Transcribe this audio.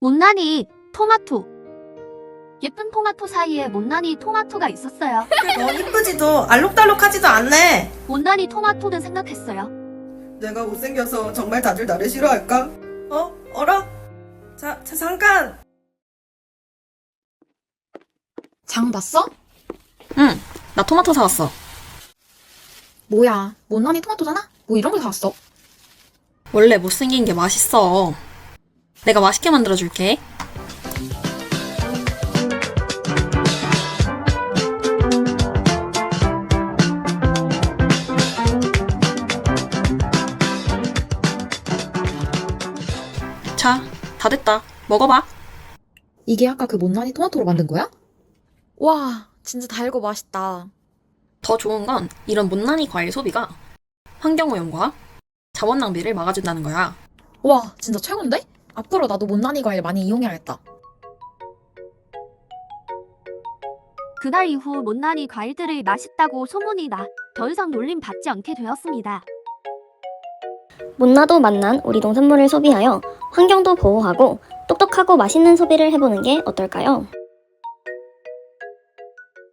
못난이 토마토. 예쁜 토마토 사이에 못난이 토마토가 있었어요. 이쁘지도 알록달록하지도 않네. 못난이 토마토는 생각했어요. 내가 못생겨서 정말 다들 나를 싫어할까? 어라? 잠깐! 장 봤어? 응, 나 토마토 사왔어. 뭐야, 못난이 토마토잖아? 뭐 이런 걸 사왔어? 원래 못생긴 게 맛있어. 내가 맛있게 만들어줄게. 자, 다 됐다. 먹어봐. 이게 아까 그 못난이 토마토로 만든 거야? 와, 진짜 달고 맛있다. 더 좋은 건 이런 못난이 과일 소비가 환경오염과 자원 낭비를 막아준다는 거야. 와, 진짜 최고인데? 앞으로 나도 못난이 과일 많이 이용해야겠다. 그날 이후 못난이 과일들을 맛있다고 소문이 나 더 이상 놀림 받지 않게 되었습니다. 못나도 맛난 우리 농산물을 소비하여 환경도 보호하고 똑똑하고 맛있는 소비를 해보는 게 어떨까요?